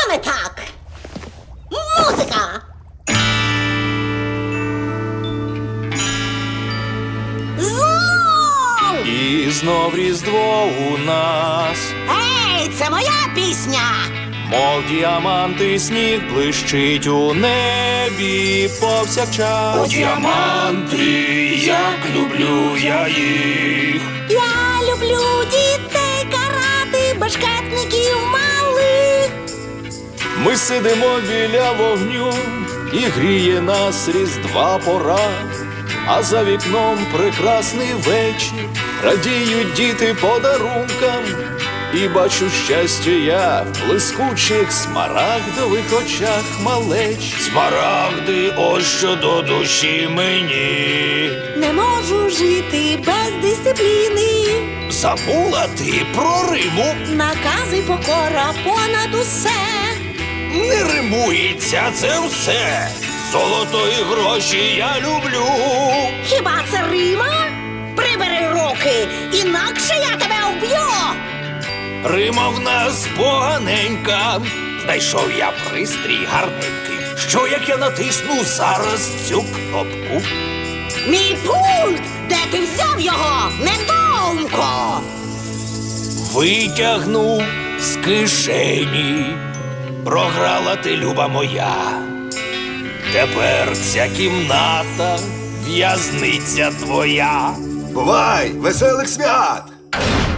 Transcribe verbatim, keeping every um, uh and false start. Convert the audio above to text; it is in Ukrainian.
Саме так. Музика. Знов! І знов Різдво у нас, Ей, це моя пісня. мов діаманти, сніг блищить у небі повсякчас. Діаманти, як люблю я їх. Я люблю дітей карати, башкетників малих. Ми сидимо біля вогню, і гріє нас Різдва пора. А за вікном прекрасний вечір, радіють діти подарункам. І бачу щастя я в блискучих смарагдових очах малеч. Смарагди, ось що до душі мені. Не можу жити без дисципліни. Забула ти про Риму? Накази покора понад усе. Не римується це все. Золото і гроші я люблю. Хіба це Рима? Прибери руки, інакше я тебе вб'ю. Рима в нас поганенька. Знайшов я пристрій гарненький. Що як я натисну зараз цю кнопку? Мій пульт! Де ти взяв його, недоумко? Витягнув з кишені. Програла ти, люба моя. Тепер ця кімната в'язниця твоя. Бувай, веселих свят!